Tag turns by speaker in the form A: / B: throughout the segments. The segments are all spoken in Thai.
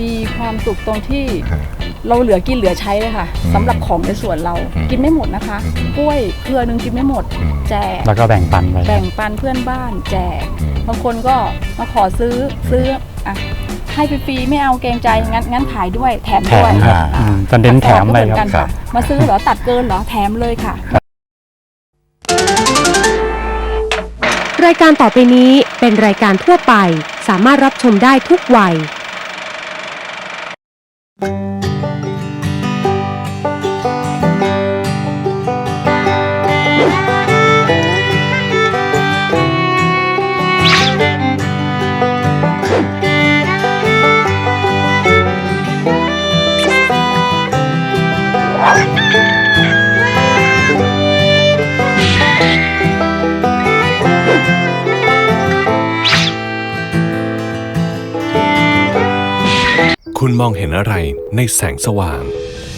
A: มีความสุขตรงที่เราเหลือกินเหลือใช้เลยค่ะสำหรับของในสวนเรากินไม่หมดนะคะกล้วยเครือนึงกินไม่หมดแจก
B: แล้วก็แบ่งปันไป
A: แบ่งปันเพื่อนบ้านแจกบางคนก็มาขอซื้ออ่ะให้ฟรีๆไม่เอาเกรงใจงั้นขายด้วยแถมด้วย
B: ตอนเด่นแถมเลยครับ
A: มาซื้อเหรอตัดเกินเหรอแถมเลยค่ะ
C: รายการต่อไปนี้เป็นรายการทั่วไปสามารถรับชมได้ทุกวัย
D: คุณมองเห็นอะไรในแสงสว่าง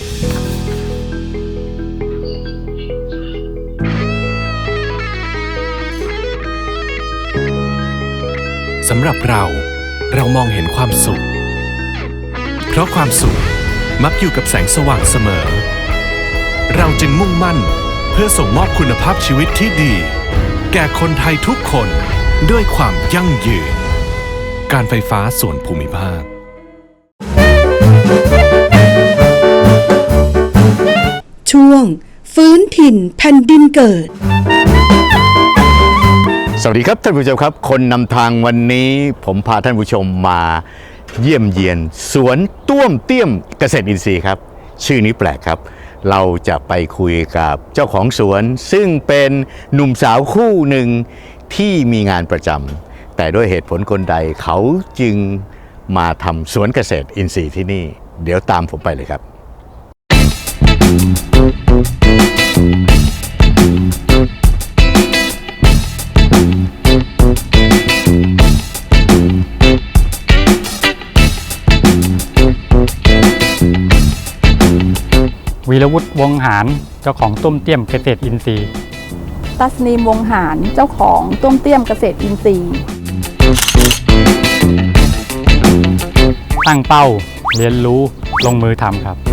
D: สำหรับเรามองเห็นความสุขเพราะความสุขมักอยู่กับแสงสว่างเสมอเราจึงมุ่งมั่นเพื่อส่งมอบคุณภาพชีวิตที่ดีแก่คนไทยทุกคนด้วยความยั่งยืนการไฟฟ้าส่วนภูมิภาค
E: ช่วงฟื้นถิ่นแผ่นดินเกิด
F: สวัสดีครับท่านผู้ชมครับคนนำทางวันนี้ผมพาท่านผู้ชมมาเยี่ยมเยียนสวนต้วมเตี้ยมเกษตรอินทรีย์ครับชื่อนี้แปลกครับเราจะไปคุยกับเจ้าของสวนซึ่งเป็นหนุ่มสาวคู่หนึ่งที่มีงานประจำแต่ด้วยเหตุผลคนใดเขาจึงมาทำสวนเกษตรอินทรีย์ที่นี่เดี๋ยวตามผมไปเลยครับ
B: วีรวุฒิวงหารเจ้าของต้มเตี้ยมเกษตรอินทรีย์
A: ตัสนีมวงหารเจ้าของต้มเตี้ยมเกษตรอินทรีย์
B: ตั้งเป้าเรียนรู้ลงมือทำครับ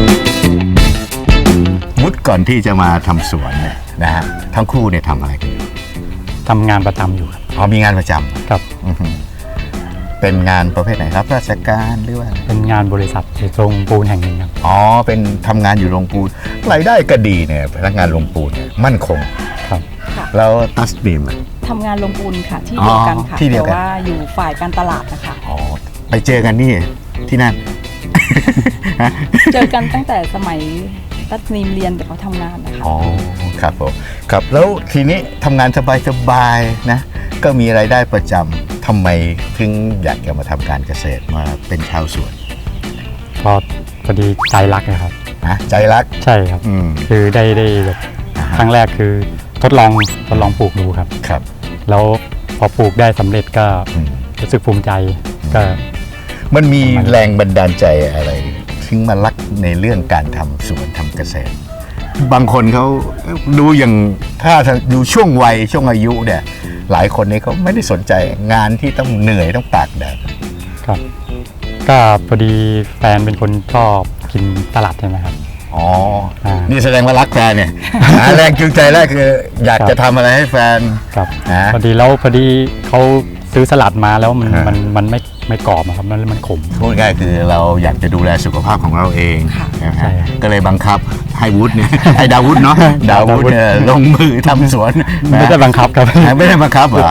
F: วุฒิก่อนที่จะมาทำสวนเนี่ยนะฮะทั้งคู่เนี่ยทำอะไรกันอยู่
B: ทำงานประจำอยู่ครับ
F: อ๋อมีงานประจำ
B: ครับ
F: เป็นงานประเภทไหนครับราชการหรือว่า
B: เป็นงานบริษัทโรงปูนแห่งหนึ่งครับ
F: อ๋อเป็นทำงานอยู่โรงปูนรายได้ก็ดีเนี่ยพนักงานโรงปูนเนี่ยมั่นคง
B: ครับ
F: แล้วตัสนีม
A: ทำงานโรงปูนค่ะที่เดียวกันค่ะแต่ว่าอยู่ฝ่ายการตลาดนะคะ
F: อ๋อไปเจอกันนี่ที่นั่น
A: เจอกันตั้งแต่สมัยตัสนีมเรียนแต่เขาทำงานนะคะ
F: อ๋อครับผมครับแล้วทีนี้ทำงานสบายๆนะก็มีรายได้ประจำทำไมถึงอยากจะมาทำการเกษตรมาเป็นชาวสวน
B: พอดีใจรักนะครับ
F: ใจรัก
B: ใช่ครับคือได้แบบครั้งแรกคือทดลองปลูกดูครับ
F: ครับ
B: แล้วพอปลูกได้สำเร็จก็รู้สึกภูมิใจก็
F: มันมีแรงบันดาลใจอะไรถึงมารักในเรื่องการทำสวนทำเกษตรบางคนเขาดูอย่างถ้าดูช่วงวัยช่วงอายุเนี่ยหลายคนนี้เขาไม่ได้สนใจงานที่ต้องเหนื่อยต้องตากแดด
B: ครับก็พอดีแฟนเป็นคนชอบกินสลัดใช่ไหมครับ
F: อ๋อนี่แสดงว่ารักแฟนเนี่ยแรงจูงใจแรกคืออยากจะทำอะไรให้แฟน
B: ครับพอดีเขาซื้อสลัดมาแล้วมันไม่กรอบครับมันขม
F: พูดง่ายคือเราอยากจะดูแลสุขภาพของเราเองก็เลยบังคับให้วุฒิเนี่ยให้ดาวุฒิเนาะดาวุฒิลงมือทำสวน
B: ไม่ได้บังคับครับ
F: ไม่ได้บังคับเหรอ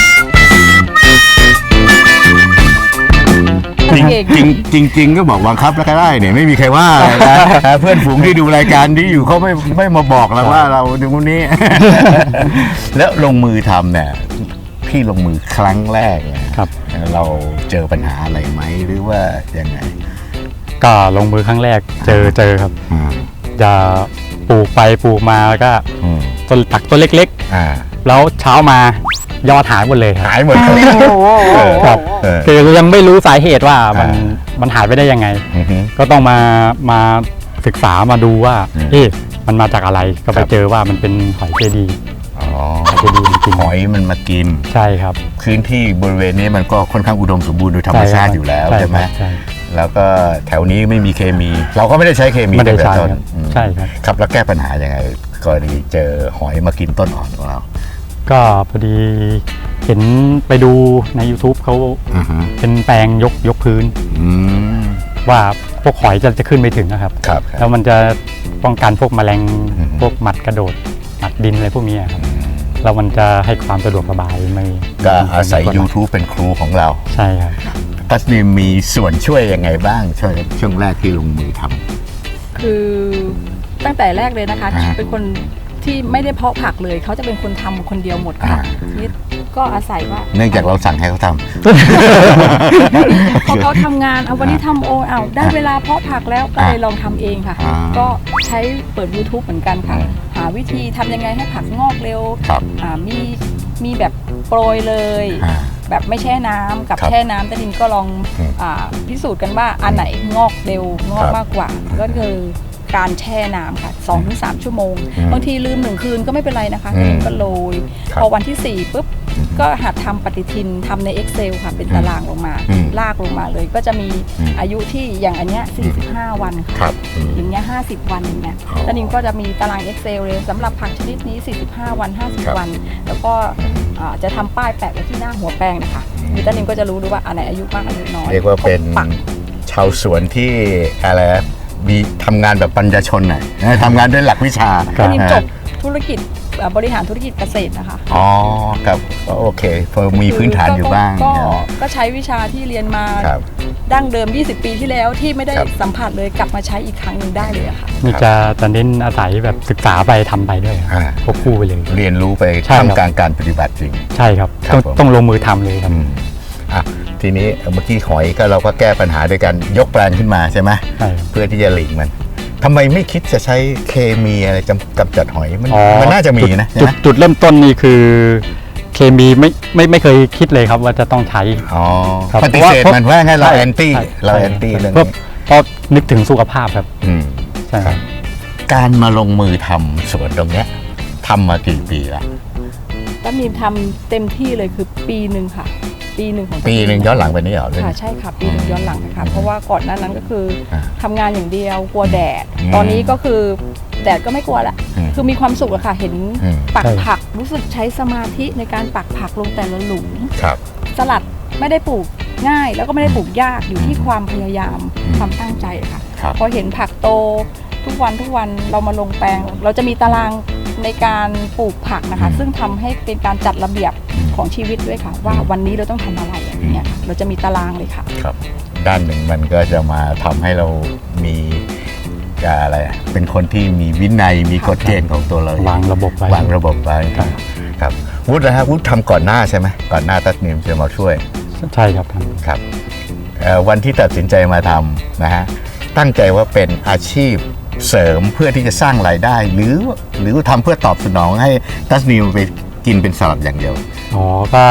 F: จริงก็บอกบังคับแล้วก็ได้เนี่ยไม่มีใครว่านะเพื่อนฝูงที่ดูรายการที่อยู่เขาไม่มาบอกเราว่าเราดูคนนี้แล้วลงมือทำเนี่ยพี่ลงมือครั้งแรก
B: ครับ
F: เราเจอปัญหาอะไรไหมหรือว่ายังไง
B: ก็ลงมือครั้งแรกเจอครับจะปลูกไปปลูกมาแล้วก็ต้นตักต้นเล็กๆแล้วเช้ามายอดหายหมดเลย
F: หายหมด
B: ครับคือยังไม่รู้สาเหตุว่ามันหายไปได้ยังไงก็ต้องมาศึกษามาดูว่ามันมาจากอะไรก็ไปเจอว่ามันเป็นหอยเจดี
F: จะดีจริงหอยมันมากิน
B: ใช่ครับ
F: พื้นที่บริเวณนี้มันก็ค่อนข้างอุดมสมบูรณ์โดยธรรมชาติอยู่แล้วใช่ไหมแล้วก็แถวนี้ไม่มีเคมี เราก็ไม่ได้ใช้เคมี
B: ไม่ได้ใช้
F: ตั้งแต่ต้น
B: ครับ
F: อืม
B: ใช่ครับ
F: ครับแล้วแก้ปัญหายังไงกรณีเจอหอยมากินต้นอ่อนของเรา
B: ก็พอดีเห็นไปดูใน YouTube เขา
F: อือฮึ
B: เป็นแปลงยกพื้น
F: อืม
B: ว่าพวกหอยจะขึ้นไม่ถึงนะครับ
F: ครับ
B: แล้วมันจะป้องกันพวกแมลง
F: อืม
B: พวกหมัดกระโดดหมัดดินอะไรพวกนี้ครับแล้วมันจะให้ความสะดวกสบายไม่
F: ก็อาศัย YouTube เป็นครูของเรา
B: ใช่ครับ
F: ตัสนีมีส่วนช่วยยังไงบ้างช่วงแรกที่ลงมือทำ
A: คือตั้งแต่แรกเลยนะคะ
F: อ่า
A: เป็นคนที่ไม่ได้เพาะผักเลย เขาจะเป็นคนทำคนเดียวหมดค่ะ
F: อ่า
A: นี่ก็อาศัยว่า
F: เนื่องจากเราสั่งให้เขาท
A: พอเขาทำงานเอาวันนี้ทำเอาได้เวลาเพาะผักแล้วก็เลยลองทำเองค่ะ
F: อ่า
A: ก็ใช้เปิด YouTube เหมือนกันค่ะ
F: อืม
A: หาวิธีทำยังไงให้ผักงอกเร็ว
F: ครับ
A: มีแบบโปรยเลย
F: อ่า
A: แบบไม่แช่น้ำกับ
F: ครับ
A: แช่น้ำแต่ดินก็ลอง
F: อืม
A: พิสูจน์กันว่าอันไหนงอกเร็วงอก
F: ครับ
A: มากกว่า ก็คือการแช่น้ำค่ะ 2-3 ชั่วโมง
F: อืม
A: บางทีลืม1 คืนก็ไม่เป็นไรนะคะ
F: อืม
A: ก็โรย
F: ครับ
A: พอวันที่ 4ปุ๊บ
F: อืม
A: ก็หัดทำปฏิทินทำใน Excel ค่ะ เป็นตารางลงมา
F: อืม
A: ลากลงมาเลยก็จะมี
F: อืม
A: อายุที่อย่างอันเนี้ย45 วัน
F: ค
A: ค่ะ
F: รับอืม
A: อย่างเงี้ย50 วันอย่างเงี้ย
F: อ๋อ
A: ตอนนี้ก็จะมีตาราง Excel เลยสำหรับผักชนิดนี้ 45 วัน
F: ครับ
A: 50 วัน แล้วก็จะทำป้ายแปะไว้ที่หน้าหัวแปลงนะคะมีตานิมก็จะรู้ด้วยว่าอันไหนอายุมากอายุน้อย
F: เรียกว่าเป็น
A: ปัก
F: ชาวสวนที่อะไรนะมีทำงานแบบปัญญาชนหน่อยนะทำงานด้วยหลักวิชา
B: ครั
A: ตา
B: บ
A: นิมจบธุรกิจบริหารธุรกิจเกษตรนะคะ
F: อ๋อครับก็โอเคพอมีพื้นฐานอยู่บ้าง
A: ก็ใช้วิชาที่เรียนมา
F: ครับ
A: ดั้งเดิม 20 ปีที่แล้วที่ไม่ได้
F: ครับ
A: สัมผัสเลยกลับมาใช้อีกครั้งหนึ่งได้เลยอะค่ะ
B: นี่จะเน้นอาศัยแบบศึกษาไปทำไปด้วยครับ
F: อ่า
B: ควบคู่ไปเลย
F: เรียนรู้ไป
B: ใช่ครับ
F: ทำการปฏิบัติจริง
B: ใช่ครับ
F: ครับผม
B: ต้องลงมือทำเลยครับ
F: อืมอ่ะทีนี้เมื่อกี้หอยก็เราก็แก้ปัญหาด้วยการยกแปลงขึ้นมาใช่ไหม
B: ใช่ครับ
F: เพื่อที่จะหลีกมันทำไมไม่คิดจะใช้เคมีอะไรกำจัดหอยมันน่าจะมีนะใช่ไหม
B: จุดเริ่มต้นนี่คือเคมีไม่เคยคิดเลยครับว่าจะต้องใช้
F: อ๋อ
B: ครับ
F: ปฏิเสธมันว่าไงเรา
B: ใช่
F: แอนตี้
B: ใช่
F: เราแอนตี้เรื่อง
B: เพราะ
F: นี้
B: เพราะนึกถึงสุขภาพครับ
F: อืม
B: ใช่ครับ
F: การมาลงมือทำสวนตรงเนี้ยทำมากี่ปีละ
A: ตานิมทำเต็มที่เลยคือปีหนึ่งค่ะ ปีหนึ่งของ
F: ปีหนึ่งย้อนหลังไปนี่เหรอ
A: ค่ะใช่ค่ะปีหนึ่งย้อนหลังนะคะเพราะว่าก่อนหน้านั้นก็คือ
F: อ่า
A: ทำงานอย่างเดียวกลัวแดด
F: อืม
A: ตอนนี้ก็คือแดดก็ไม่กลัวละ
F: อืม
A: คือมีความสุขอะค่ะเห็น
F: อืม
A: ปัก
B: ใช่
A: ผักรู้สึกใช้สมาธิในการปักผักลงแต่ละหลุม
F: ครับ
A: สลัดไม่ได้ปลูกง่าย แล้วก็ไม่ได้ปลูกยากอยู่ที่ความพยายาม
F: อืม
A: ความตั้งใจค่ะ
F: ครับ
A: พอเห็นผักโตทุกวันเรามาลงแปลง เราจะมีตารางในการปลูกผักนะคะ ซึ่งทำให้เป็นการจัดระเบียบของชีวิตด้วยค่ะ ว่าวันนี้เราต้องทำอะไรอย่างเงี้ยค่ะเราจะมีตารางเลยค่ะ
F: ครับ ด้านหนึ่งมันก็จะมาทำให้เรามีอะไรอะเป็นคนที่มีวินัยมีกฎเกณฑ์ของตัวเรา
B: วางระบบไว้
F: วางระบบไว้
B: ครับ
F: ครับวุฒินะฮะวุฒิทำก่อนหน้าใช่ไหมก่อนหน้าตัดนิมจะมาช่วย
B: ใช่ครับท่าน
F: ครับวันที่ตัดสินใจมาทำนะฮะตั้งใจว่าเป็นอาชีพเสริมเพื่อที่จะสร้างรายได้ หรือทำเพื่อตอบสนองให้ตัสนิมไปกินเป็นสลัดอย่างเดียว
B: อ๋อก็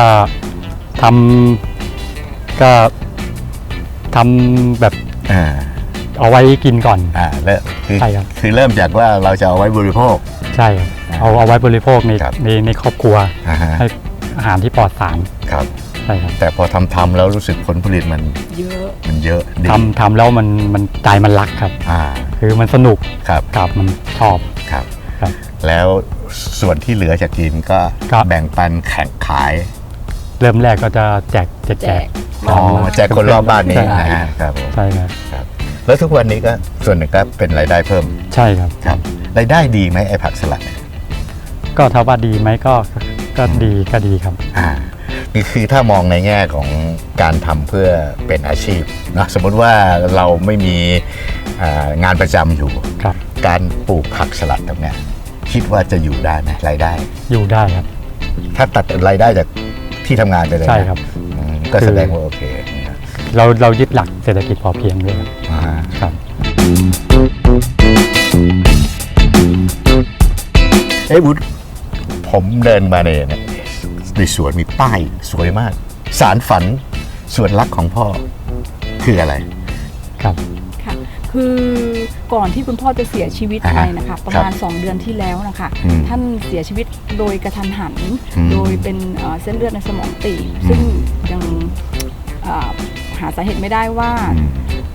B: ทำแบบ
F: อ่า
B: เอาไว้กินก่อน
F: แล้วคือ
B: ใช่ครับ
F: คือเริ่มจากว่าเราจะเอาไว้บริโภค
B: ใช่ครับเอาไว้บริโภคใน
F: ครับ
B: ในครอบครัว
F: อ่าฮะ
B: ให้อาหารที่ปลอดสาร
F: ครับ
B: ใช่ครับ
F: แต่พอทำแล้วรู้สึกผลผลิตมัน
A: เยอะ
F: เยอะดี
B: ทำแล้วมันใจมันรักครับ
F: อ่า
B: คือมันสนุก
F: ครับ
B: กับมันชอบ
F: ครับ
B: ครับ
F: แล้วส่วนที่เหลือจากกินก็
B: ครับ
F: แบ่งปันแข่งขาย
B: เริ่มแรกก็จะแจก
A: แจก
F: อ๋อแจกคนรอบบ้านนี้
B: ใช่
F: นะฮะครับผม
B: ใช่ครับ
F: ครับแล้วทุกวันนี้ก็ส่วนหนึ่งก็เป็นรายได้เพิ่ม
B: ใช่ครับ
F: ครับรายได้ดีไหมไอ้ผักสลัดเนี่ย
B: ก็ถ้าว่าดีไหมก็ดีครับ
F: นี่คือถ้ามองในแง่ของการทำเพื่อเป็นอาชีพนะสมมติว่าเราไม่มีงานประจำอยู่
B: ครับ
F: การปลูกผักสลัดตรงเนี้ยคิดว่าจะอยู่ได้ไหมรายได้
B: อยู่ได้ครับ
F: ถ้าตัดรายได้จากที่ทำงานไปเลยนะ
B: ใช่ครับ
F: ก็แสดงว่าโอเคนะครับ
B: เรายึดหลักเศรษฐกิจพอเพียงด้วยครับ
F: อ่า
B: ครับ
F: วุฒิผมเดินมาเนี่ยในสวนมีป้ายสวยมาก สารฝันสวนรักของพ่อคืออะไร
B: ครับ
A: ค่ะคือก่อนที่คุณพ่อจะเสียชีวิตไปนะคะประมาณ 2 เดือนที่แล้วนะคะ
F: อืม
A: ท่านเสียชีวิตโดยกระทันหัน
F: อืม
A: โดยเป็นเส้นเลือดในสมองตีบซึ่งยังหาสาเหตุไม่ได้ว่า
F: อืม
A: พ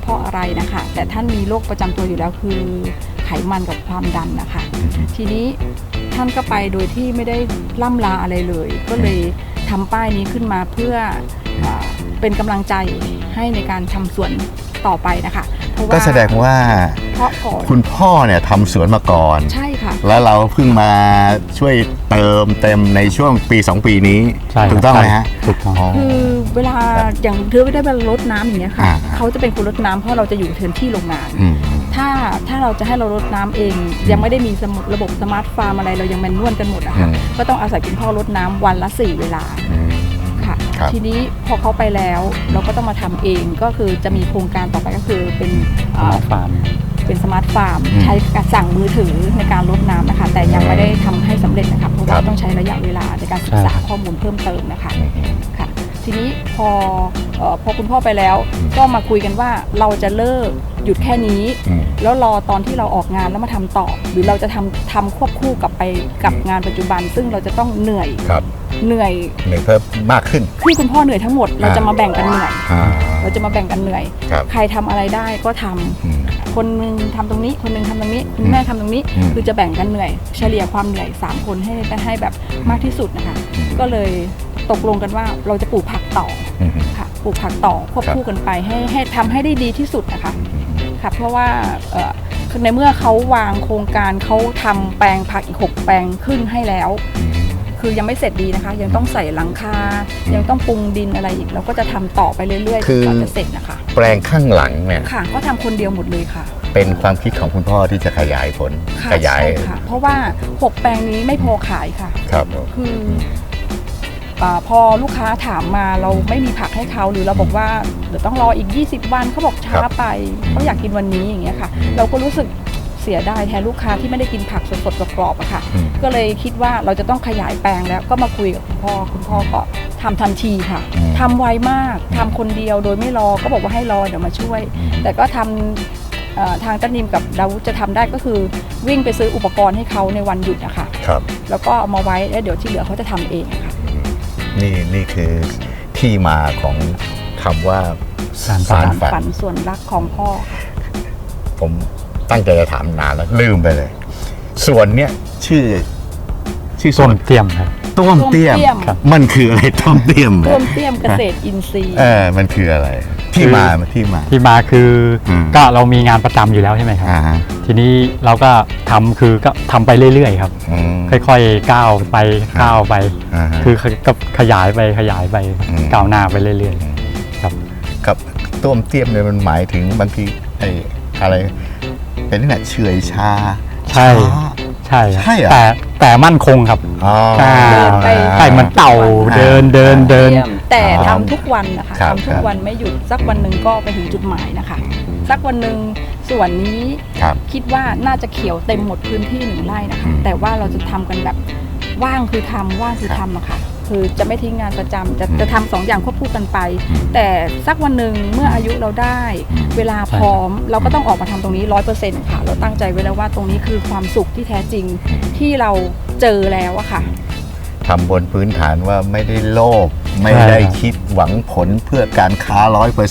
A: เพราะอะไรนะคะ แต่ท่านมีโรคประจำตัวอยู่แล้วคือไขมันกับความดันนะคะ ทีนี้ท่านก็ไปโดยที่ไม่ได้ล่ำลาอะไรเลย ก็เลยทำป้ายนี้ขึ้นมาเพื่อเป็นกำลังใจให้ในการทำสวนต่อไปนะคะเพราะว่า
F: ก็แสดงว่า
A: เพราะก่อน
F: คุณพ่อเนี่ยทำสวนมาก่อน
A: ใช่ค่ะ
F: แล้วเราเพิ่งมาช่วยเติมเต็มในช่วงปี 2 ปีนี้
B: ใช่ครับ
F: ถูกต้องไหมฮะ
B: ถูกต้อง
F: อ๋อ
A: คือเวลาอย่างเธอไม่ได้มารดน้ำอย่างเงี้ยค่ะ
F: อ่า
A: เขาจะเป็นคนรดน้ำเพราะเราจะอยู่เทินที่โรงงาน
F: อืม
A: ถ้าเราจะให้เรารดน้ำเอง ยังไม่ได้มีระบบสมาร์ทฟาร์มอะไรเรายังแมนนวลกันหมดอะค่ะ
F: อืม
A: ก็ต้องอาศัยคุณพ่อรดน้ำวันละ 4 เวลา
F: อืม
A: ค่ะ
F: ครับ
A: ทีนี้พอเขาไปแล้วเราก็ต้องมาทำเองก็คือจะมีโครงการต่อไปก็คือเป็น
B: ฟาร์ม
A: เป็นสมาร์ทฟาร์มใช้การสั่งมือถือในการรดน้ำนะคะ แต่ยังไม่ได้ทำให้สำเร็จนะคะเพราะว่าต้องใช้ระยะเวลาในการศึกษาข้อมูลเพิ่มเติมนะคะค่ะ ทีนี้พอคุณพ่อไปแล้วก็มาคุยกันว่าเราจะเลิกหยุดแค่นี้
F: อืม
A: แล้วรอตอนที่เราออกงานแล้วมาทำต่อ หรือเราจะทำควบคู่กับไปกับงานปัจจุบัน ซึ่งเราจะต้องเหนื่อย
F: ครับ
A: เหนื่อย
F: เหนื่อยเพิ่มมากขึ้น
A: ที่คุณพ่อเหนื่อยทั้งหมดเราจะมาแบ่งกันเหนื่อย
F: อ่า
A: เราจะมาแบ่งกันเหนื่อย
F: ครับ
A: ใครทำอะไรได้ก็ทำ
F: อืม
A: คนหนึงทำตรงนี้คนหนึงทำตรงนี้คุณแม่ทำตรงนี้
F: อืม
A: คือจะแบ่งกันเหนื่อย เฉลี่ยความเหนื่อย3คนให้แบบมากที่สุดนะคะ
F: อืม
A: ก็เลยตกลงกันว่าเราจะปลูกผักต่อ
F: อืม
A: ค่ะปลูกผักต่อควบคู่กันไปให้ทำให้ได้ดีที่สุดนะคะค่ะเพราะว่าในเมื่อเขาวางโครงการเขาทำแปลงผักอีก6แปลงขึ้นให้แล้ว คือยังไม่เสร็จดีนะคะ ยังต้องใส่หลังคา ยังต้องปรุงดินอะไรอีกเราก็จะทำต่อไปเรื่อยๆจ
F: คื
A: น
F: อ
A: กว่าจะเสร็จนะคะ
F: แปลงข้างหลังเนี่ย
A: ค่ะก็ทำคนเดียวหมดเลยค่ะ
F: เป็นความคิดของคุณพ่อที่จะขยายผล
A: ค่ะ
F: ขยาย
A: ใช่ค่ะ เพราะว่า6แปลงนี้ไม่พอขายค่ะ
F: ครับ
A: คือพอลูกค้าถามมาเราไม่มีผักให้เขาหรือเราบอกว่าเดี๋ยวต้องรออีก20วันเขาบอกช้าไปเขาอยากกินวันนี้อย่างเงี้ยค่ะ เราก็รู้สึกเสียดายแทนลูกค้าที่ไม่ได้กินผักสดๆกรอบๆอะค่ะ
F: อืม
A: ก็เลยคิดว่าเราจะต้องขยายแปลงแล้วก็มาคุยกับคุณพ่อก็ทำทันทีค่ะทำไวมากทำคนเดียวโดยไม่รอก็บอกว่าให้รอเดี๋ยวมาช่วย แต่ก็ทำทางต้นนิมกับดาวุธจะทำได้ก็คือวิ่งไปซื้ออุปกรณ์ให้เขาในวันหยุดนะคะ
F: ครับ
A: แล้วก็เอามาไว้แล้วเดี๋ยวที่เหลือเขาจะทำเองค่ะ
F: นี่คือที่มาของคำว่า
B: สารฝั
F: สาร
B: น
F: ฝั
A: ฝั
F: น
A: นส่วนรักของพ่อค่ะ
F: ผมตั้งใจจะถามนานแล้วลืมไปเลยสวนเนี่ยชื่อส
B: ต้
F: วน
B: นเตรียมครับ
F: ต้มเตี้ยม
A: ต้มเตี้ยม
B: ครับ
F: มันคืออะไรต้มเตี้ยม
A: ร่วมเตี้ยมเกษตรอินทรีย์
F: มันคืออะไร ที่มาที่มา
B: ที่มาคืออ
F: ม
B: ก็เรามีงานประจำอยู่แล้วใช่ไหมครับ
F: ฮะ
B: ทีนี้เราก็ทำคือก็ทำไปเรื่อยๆครับ
F: อืม
B: ค่อยๆก้าวไปก้าวไป
F: อ่าฮะ
B: คือก็ขยายไป
F: อืม
B: ก้าวหน้าไปเรื่อยๆครับ
F: กับต้มเตี้ยมเนี่ยมันหมายถึงบางทีไอ้อะไร เป็นนี่แหละเฉื่อยชา
B: ใช่
F: ช้า
B: ใช่ครับ
F: ใช่เหรอ
B: แต่มั่นคงครับ
F: อ๋อ
B: ใช่
A: ไป
B: ใช่เหมันเต่าเดิน
A: เตี้ยมแต่
F: อ๋อ
A: ทำทุกวันนะคะ
F: ครับ
A: ทำทุกวันไม่หยุดสักวันหนึ่งก็ไปถึงจุดหมายนะคะ สักวันหนึ่งส่วนนี้
F: ครับ
A: คิดว่าน่าจะเขียวเต็มหมดพื้นที่1 ไร่นะคะ แต่ว่าเราจะทำกันแบบว่างคือทำว่างคือทำอะค่ะ คือจะไม่ทิ้งงานประจำจะทำ2 อย่างควบคู่กันไป แต่สักวันหนึ่งเมื่ออายุเราได้ เวลาพร้อมเราก็ต้องออกมาทำตรงนี้ 100%ค่ะ เราตั้งใจไว้แล้วว่าตรงนี้คือความสุขที่แท้จริงที่เราเจอแล้วอะค่ะ
F: ทำบนพื้นฐานว่าไม่ได้โลภไม่ได้คิดหวังผลเพื่อการค้า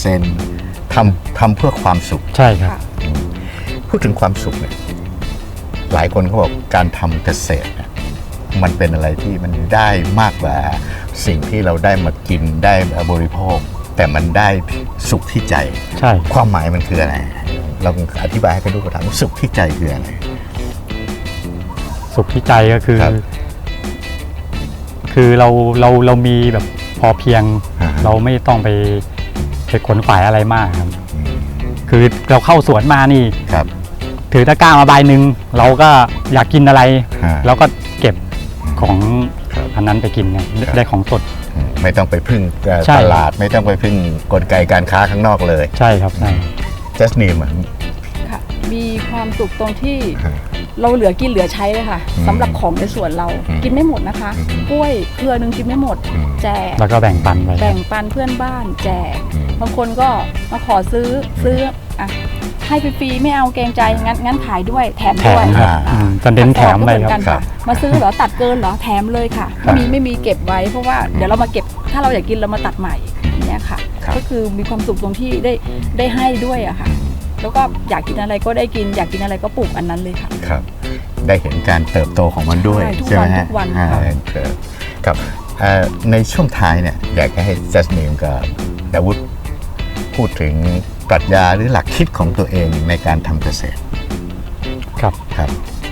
F: 100%ทำเพื่อความสุข
B: ใช่ครับ
A: ค่ะ
F: พูดถึงความสุขเนี่ยหลายคนเขาบอกการทำเกษตรเนี่ยมันเป็นอะไรที่มันได้มากกว่าสิ่งที่เราได้มากินได้มาบริโภค แต่มันได้สุขที่ใจ
B: ใช่
F: ความหมายมันคืออะไร เราอธิบายให้กันดูกระถางสุขที่ใจคืออะไร
B: สุขที่ใจก็คือ
F: ครับ
B: คือเรามีแบบพอเพียง
F: อ่าฮะ
B: เราไม่ต้องไปขนขวายอะไรมากครับ คือเราเข้าสวนมานี่
F: ครับ
B: ถือตะกร้ามาใบหนึ่งเราก็อยากกินอะไร
F: อ่า
B: เราก็เก็บของ
F: ครับ
B: อันนั้นไปกินไง
F: ครับ
B: ได้ของสด
F: ไม่ต้องไปพึ่ง
B: ใช่
F: ตลาดไม่ต้องไปพึ่งกลไกการค้าข้างนอกเลย
B: ใช่ครับใช่
F: just name อ่ะ
A: ค่ะ มีความสุขตรงที่
F: ครับ
A: เราเหลือกินเหลือใช้เลยค่ะ
F: อืม
A: สำหรับของในสวนเรา
F: อืม
A: กินไม่หมดนะคะ
F: อืม
A: กล้วยเครือหนึงกินไม่หมด
F: อืม
A: แจก
B: แล้วก็แบ่งปันไป
A: แบ่งปันเพื่อนบ้านแจก
F: อืม
A: บางคนก็มาขอซื้ออ่ะให้ฟรีๆไม่เอาเกรงใจงั้นขายด้วยแถม
B: แถ
A: ด้วย
B: มครับ
A: อ่า
B: จะเน้นแถมไป
A: ก็เหมือน
B: ค
A: กั
B: รับ
A: นค่ะ มาซื้อเหรอตัดเกินเหรอแถมเลยค่ะ
F: ครับ
A: ไม่มีเก็บไว้เพราะว่าเดี๋ยวเรามาเก็บถ้าเราอยากกินเรามาตัดใหม่อย่างเงี้ยค่ะ
F: ครับ
A: ก็คือมีความสุขตรงที่ได้ให้ด้วยอะค่ะแล้วก็อยากกินอะไรก็ได้กินอยากกินอะไรก็ปลูกอันนั้นเลยค่ะ
F: ครับได้เห็นการเติบโตของมันด้วยใช่ไหมฮะ
A: ทุกวัน
F: ครับในช่วงท้ายเนี่ยอยากให้จัสมินกับดาวุฒิพูดถึงปรัชญาหรือหลักคิดของตัวเองในการทำเกษตร
B: ครับ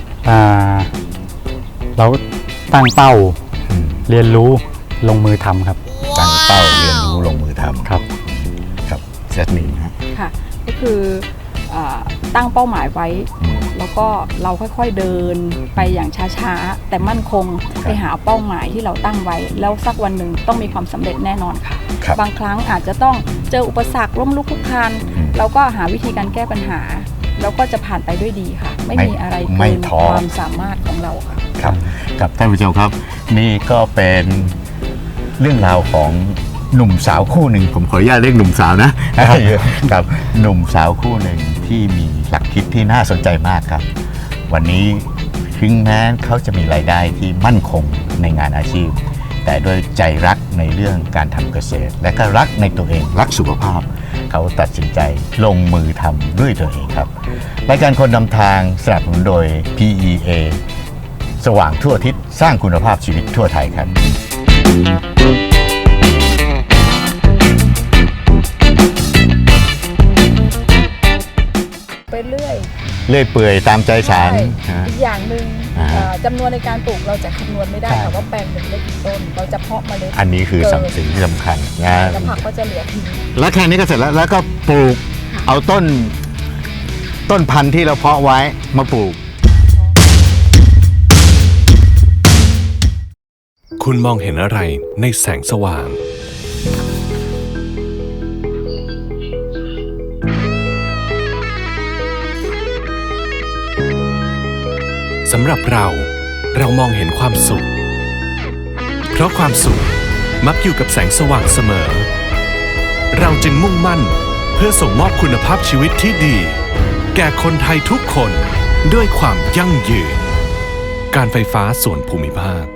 B: เราตั้งเป้าเรียนรู้ลงมือทำครับ
F: ตั้งเป้าเรียนรู้ลงมือทำ
B: ครับ
F: จัสมิน
A: ค่ะก็คือตั้งเป้าหมายไว้แล้วก็เราค่อยๆเดินไปอย่างช้าๆแต่มั่นคงไปหาเป้าหมายที่เราตั้งไว้แล้วสักวันหนึ่งต้องมีความสำเร็จแน่นอนค่ะบางครั้งอาจจะต้องเจออุปสรรคล้มลุกคลุกคลานเราก็หาวิธีการแก้ปัญหาแล้วก็จะผ่านไปด้วยดีค่ะไม่มีอะไรเกินความสามารถของเราค่ะ
F: ครับท่านผู้ชมครับนี่ก็เป็นเรื่องราวของหนุ่มสาวคู่หนึ่งผมขออนุญาตเรียกหนุ่มสาวนะครับหนุ่มสาวคู่หนึ่งที่มีหลักคิดที่น่าสนใจมากครับวันนี้ถึงแม้เขาจะมีรายได้ที่มั่นคงในงานอาชีพแต่ด้วยใจรักในเรื่องการทำเกษตรและก็รักในตัวเองรักสุขภาพเขาตัดสินใจลงมือทำด้วยตัวเองครับรายการคนนำทางสนับสนุนโดย PEA สว่างทั่วอาทิศสร้างคุณภาพชีวิตทั่วไทยครับ
A: ไปเรื่อย
F: เปื่อยตามใจฉัน
A: อีกอย่างหนึ่งจำนวนในการปลูกเราจะคำนวณไม่ได้ค่ะว่าแปลงหนึ่งได้กี่ต้นเราจะเพาะเมล็ด
F: อันนี้คือสิ่งที่สำคัญ
A: นะแล้วผักก็จะเหลือทิ้ง
F: แล้วแค่นี้ก็เสร็จแล้วก็ปลูกเอาต้นพันธุ์ที่เราเพาะไว้มาปลูก
D: คุณมองเห็นอะไรในแสงสว่างสำหรับเรามองเห็นความสุขเพราะความสุขมักอยู่กับแสงสว่างเสมอเราจึงมุ่งมั่นเพื่อส่งมอบคุณภาพชีวิตที่ดีแก่คนไทยทุกคนด้วยความยั่งยืนการไฟฟ้าส่วนภูมิภาค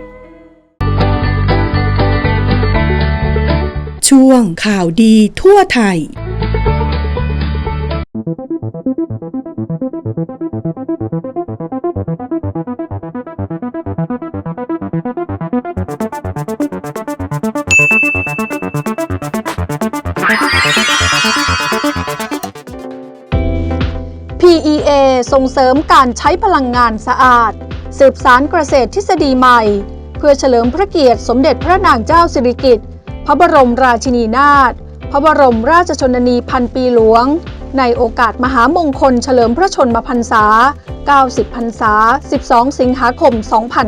E: ช่วงข่าวดีทั่วไทย
G: PEA ส่งเสริมการใช้พลังงานสะอาดสืบสานเกษตรทฤษฎีใหม่เพื่อเฉลิมพระเกียรติสมเด็จพระนางเจ้าสิริกิติ์พระบรมราชินีนาถพระบรมราชชนนีพันปีหลวงในโอกาสมหามงคลเฉลิมพระชนมพรรษา90พรรษา12สิงหาคม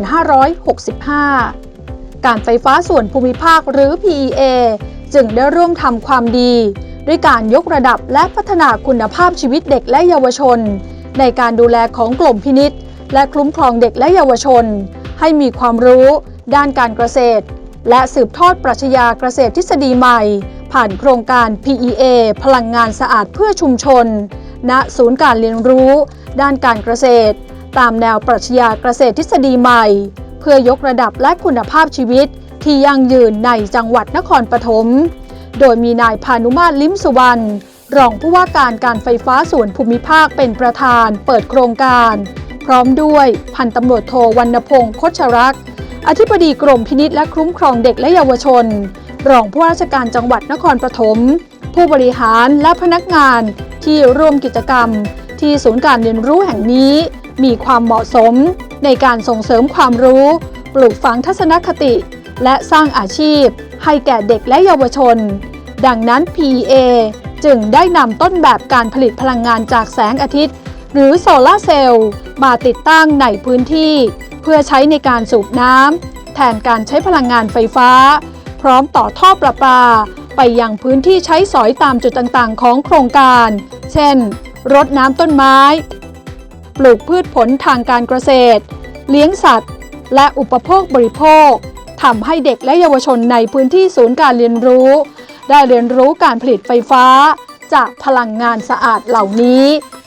G: 2565การไฟฟ้าส่วนภูมิภาคหรือ PEA จึงได้ร่วมทำความดีด้วยการยกระดับและพัฒนาคุณภาพชีวิตเด็กและเยาวชนในการดูแลของกรมพินิจและคุ้มครองเด็กและเยาวชนให้มีความรู้ด้านการเกษตรและสืบทอดปรัชญาเกษตรทฤษฎีใหม่ผ่านโครงการ PEA พลังงานสะอาดเพื่อชุมชนณศูนย์การเรียนรู้ด้านการเกษตรตามแนวปรัชญาเกษตรทฤษฎีใหม่เพื่อยกระดับและคุณภาพชีวิตที่ยั่งยืนในจังหวัดนครปฐมโดยมีนายพานุมาตร ลิ้มสุวรรณรองผู้ว่าการไฟฟ้าส่วนภูมิภาคเป็นประธานเปิดโครงการพร้อมด้วยพันตำรวจโทวรรณพงษ์คชรักษ์อธิบดีกรมพินิจและคุ้มครองเด็กและเยาวชนรองผู้ว่าราชการจังหวัดนครปฐมผู้บริหารและพนักงานที่ร่วมกิจกรรมที่ศูนย์การเรียนรู้แห่งนี้มีความเหมาะสมในการส่งเสริมความรู้ปลูกฝังทัศนคติและสร้างอาชีพให้แก่เด็กและเยาวชนดังนั้น PEA จึงได้นำต้นแบบการผลิตพลังงานจากแสงอาทิตย์หรือโซลาร์เซลล์มาติดตั้งในพื้นที่เพื่อใช้ในการสูบน้ำแทนการใช้พลังงานไฟฟ้าพร้อมต่อท่อประปาไปยังพื้นที่ใช้สอยตามจุดต่างๆของโครงการเช่นรดน้ำต้นไม้ปลูกพืชผลทางการเกษตรเลี้ยงสัตว์และอุปโภคบริโภคทำให้เด็กและเยาวชนในพื้นที่ศูนย์การเรียนรู้ได้เรียนรู้การผลิตไฟฟ้าจากพลังงานสะอาดเหล่านี้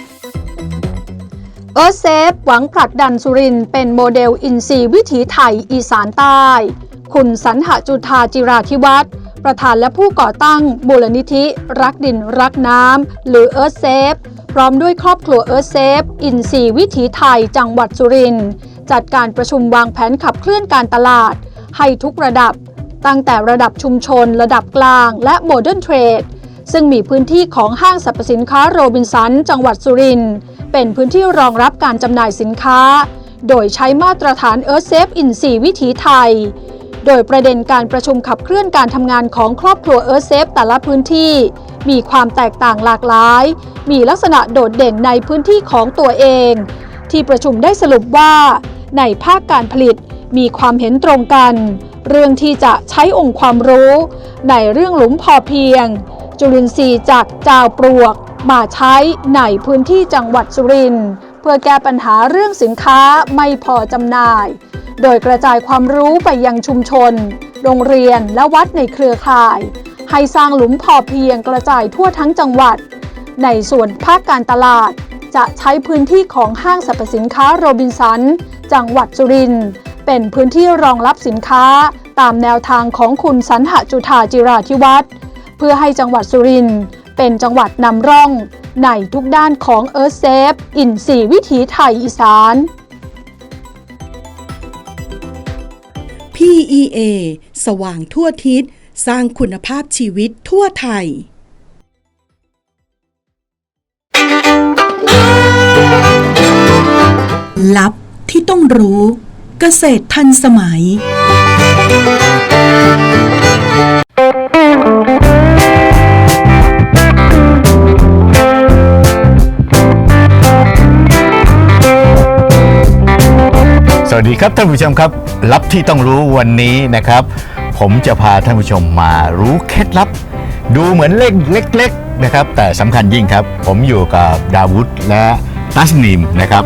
G: Earthsafe หวังผลักดันสุรินทร์เป็นโมเดลอินทรีย์วิถีไทยอีสานใต้คุณสรรหจุฑาจิราธิวัฒน์ประธานและผู้ก่อตั้งมูลนิธิรักดินรักน้ำหรือ Earth Safe พร้อมด้วยครอบครัว Earth Safe อินทรีย์วิถีไทยจังหวัดสุรินทร์จัดการประชุมวางแผนขับเคลื่อนการตลาดให้ทุกระดับตั้งแต่ระดับชุมชนระดับกลางและโมเดิร์นเทรดซึ่งมีพื้นที่ของห้างสรรพสินค้าโรบินสันจังหวัดสุรินทร์เป็นพื้นที่รองรับการจำหน่ายสินค้าโดยใช้มาตรฐาน Earth Safe อินทรีย์วิถีไทยโดยประเด็นการประชุมขับเคลื่อนการทำงานของครอบครัว Earth Safe แต่ละพื้นที่มีความแตกต่างหลากหลายมีลักษณะโดดเด่นในพื้นที่ของตัวเองที่ประชุมได้สรุปว่าในภาคการผลิตมีความเห็นตรงกันเรื่องที่จะใช้องค์ความรู้ในเรื่องหลุมพอเพียงจุลินทรีย์จากจาวปลวกมาใช้ในพื้นที่จังหวัดสุรินทร์เพื่อแก้ปัญหาเรื่องสินค้าไม่พอจำหน่ายโดยกระจายความรู้ไปยังชุมชนโรงเรียนและวัดในเครือข่ายให้สร้างหลุมพอเพียงกระจายทั่วทั้งจังหวัดในส่วนภาคการตลาดจะใช้พื้นที่ของห้างสรรพสินค้าโรบินสันจังหวัดสุรินทร์เป็นพื้นที่รองรับสินค้าตามแนวทางของคุณสันหจุฑาจิราธิวัฒน์เพื่อให้จังหวัดสุรินทร์เป็นจังหวัดนำร่องในทุกด้านของ Earth Safe อินทรีย์วิถีไทยอีสาน
E: PEA สว่างทั่วทิศสร้างคุณภาพชีวิตทั่วไทย ลับที่ต้องรู้เกษตรทันสมัย
F: สวัสดีครับท่านผู้ชมครับลับที่ต้องรู้วันนี้นะครับ ผมจะพาท่านผู้ชมมารู้เคล็ดลับดูเหมือนเล็กๆนะครับแต่สำคัญยิ่งครับผมอยู่กับดาวุฒและตัสนีมนะครับ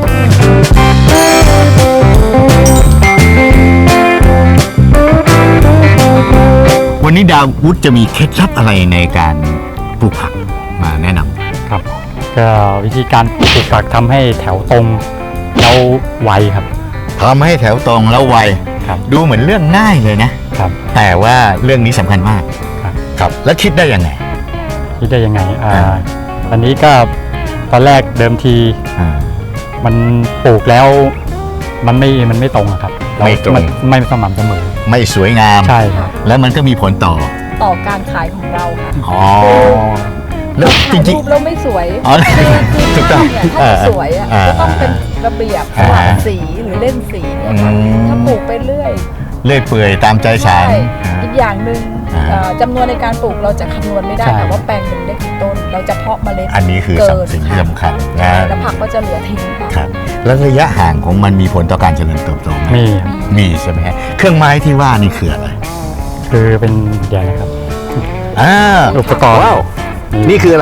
F: วันนี้ดาวุฒจะมีเคล็ดลับอะไรในการปลูกผักมาแนะนำ
B: ครับก็วิธีการปลูกผักทำให้แถวตรงแล้วไวครับ
F: ทำให้แถวตรงแล้วไวดูเหมือนเรื่องง่ายเลยนะครับแต่ว่าเรื่องนี้สำคัญมากครับแล้วคิดได้ยังไง
B: อันนี้ก็ตอนแรกเดิมทีมันปลูกแล้วมันไม่ตรงครับ
F: ไม่ตรง
B: ไม่สม่ำเสมอ
F: ไม่สวยงาม
B: ใช่ครับ
F: แล้วมันก็มีผลต่อ
A: การขายของเราค่ะ
F: อ๋อแล้วจริงๆ
A: แล้วไม่สวย
F: ถูกต้อง
A: ถ้าสวยก็ต้องเป็นระเบียบสว่างสีหรือเล่นสีถ้าปลูกไปเรื่อย
F: เปื่อยตามใจฉัน
A: อีกอย่างหนึ่งจำนวนในการปลูกเราจะคำนวณไม่ได้ค่ะว่าแปลงหนึ่งได้กี่ต้นเราจะเพาะเมล็ด
F: อันนี้คือสิ่งที่สำคัญ
A: แล้วผักก็จะเหลือทิ้ง
F: ครับแล้วระยะห่างของมันมีผลต่อการเจริญเติบโตไหมมีใช่ไหมฮะเครื่องไม้ที่ว่านี่คืออะไร
B: คือเป็นใหญ่ครับ
F: อุปกรณ์นี่คืออะไร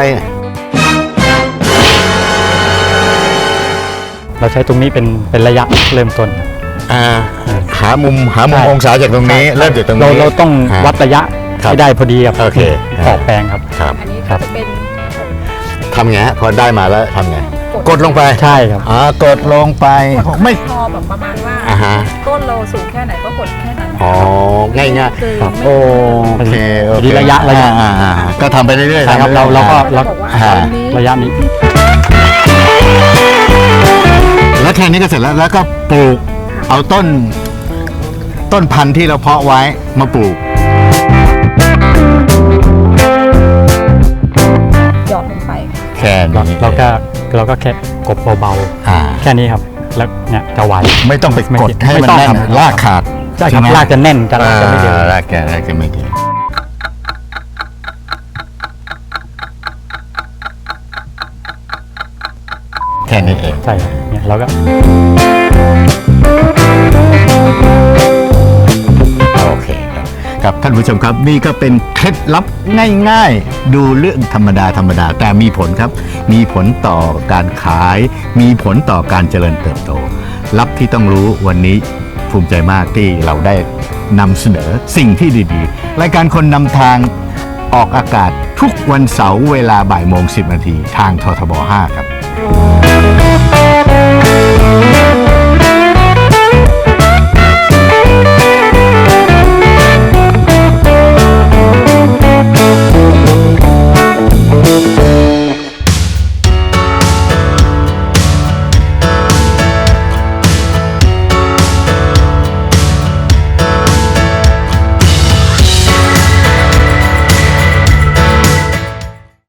B: เราใช้ตรงนี้เป็นระยะเริ่มต้น
F: หามุมองศาจากตรงนี้เริ่มจากตรงนี้
B: เราต้องวัดระยะให้ได้พอดีครับ
F: โอเค
B: ออกแปลงครับ
A: อันนี้จะเป็น
F: ทำไงฮะพอได้มาแล้วทำไงกดลงไป
B: ใช่ครับ
F: กดลงไป
A: ไม่พอแบบประมาณว่าต้นเราสูงแค่ไหนก็กดแค่นั้น
F: ง่ายๆโอเค
B: ระยะ
F: ก็ทำไปเรื่อย
B: ๆครับเราก็ระยะนี้
F: แล้วแค่นี้ก็เสร็จแล้วก็ปลูกเอาต้นพันธุ์ที่เราเพาะไว้มาปลูก
A: หยอดลงไป
F: แค่นี้
B: เราก็แค่กบเบาๆแค่นี้ครับแล้วเนี่ยจะไว
F: ไม่ต้องไปกดให้มันแน่นรากขาด
B: ใช่ครับรากจะแน่นจะไม่เดือด
F: รากจะไม่เดือดแค่นี้เอง
B: ใช่ครับเนี่ยเราก็
F: โอเคครับท่านผู้ชมครับนี่ก็เป็นเคล็ดลับง่ายๆดูเรื่องธรรมดาแต่มีผลครับมีผลต่อการขายมีผลต่อการเจริญเติบโตลับที่ต้องรู้วันนี้ภูมิใจมากที่เราได้นำเสนอสิ่งที่ดีๆรายการคนนำทางออกอากาศทุกวันเสาร์เวลา 12:10 น.ทางททบ 5 ครับ